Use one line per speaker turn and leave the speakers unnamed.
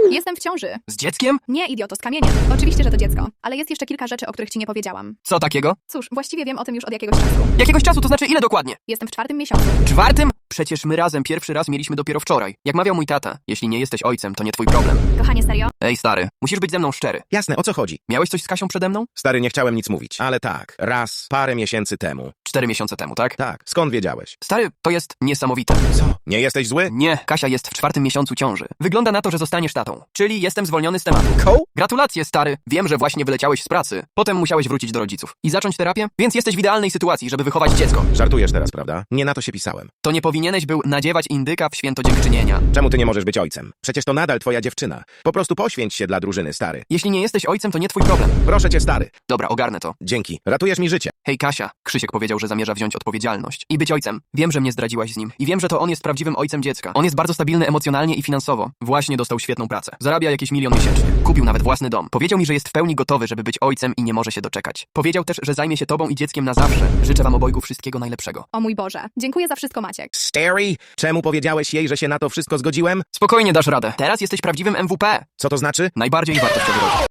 Jestem w ciąży.
Z dzieckiem?
Nie, idioto, z kamieniem. Oczywiście, że to dziecko. Ale jest jeszcze kilka rzeczy, o których ci nie powiedziałam.
Co takiego?
Cóż, właściwie wiem o tym już od jakiegoś czasu.
Jakiegoś czasu, to znaczy ile dokładnie?
Jestem w 4. miesiącu.
4? Przecież my razem pierwszy raz mieliśmy dopiero wczoraj. Jak mawiał mój tata, jeśli nie jesteś ojcem, to nie twój problem.
Kochanie, serio?
Ej, stary, musisz być ze mną szczery.
Jasne, o co chodzi?
Miałeś coś z Kasią przede mną?
Stary, nie chciałem nic mówić, ale tak, raz, parę miesięcy temu.
4 miesiące temu, tak?
Tak, skąd wiedziałeś?
Stary, to jest niesamowite.
Co? Nie jesteś zły?
Nie, Kasia jest w 4. miesiącu ciąży. Wygląda na to, że zostaniesz tatą. Czyli jestem zwolniony z tematu.
Koł?
Gratulacje, stary. Wiem, że właśnie wyleciałeś z pracy. Potem musiałeś wrócić do rodziców. I zacząć terapię? Więc jesteś w idealnej sytuacji, żeby wychować dziecko.
Żartujesz teraz, prawda? Nie na to się pisałem.
To nie powinieneś był nadziewać indyka w święto dziękczynienia.
Czemu ty nie możesz być ojcem? Przecież to nadal twoja dziewczyna. Po prostu poświęć się dla drużyny, stary.
Jeśli nie jesteś ojcem, to nie twój problem.
Proszę cię, stary.
Dobra, ogarnę to.
Dzięki. Ratujesz mi życie.
Hej, Kasia. Krzysiek powiedział, że zamierza wziąć odpowiedzialność i być ojcem. Wiem, że mnie zdradziłaś z nim. I wiem, że to on jest prawdziwym ojcem dziecka. On jest bardzo stabilny emocjonalnie i finansowo. Właśnie dostał świetną pracę. Zarabia jakieś 1 000 000 miesięcznie. Kupił nawet własny dom. Powiedział mi, że jest w pełni gotowy, żeby być ojcem i nie może się doczekać. Powiedział też, że zajmie się tobą i dzieckiem na zawsze. Życzę wam obojgu wszystkiego najlepszego.
O mój Boże. Dziękuję za wszystko, Maciek.
Stary, czemu powiedziałeś jej, że się na to wszystko zgodziłem?
Spokojnie dasz radę. Teraz jesteś prawdziwym MVP.
Co to znaczy?
Najbardziej wartościowy rodzic.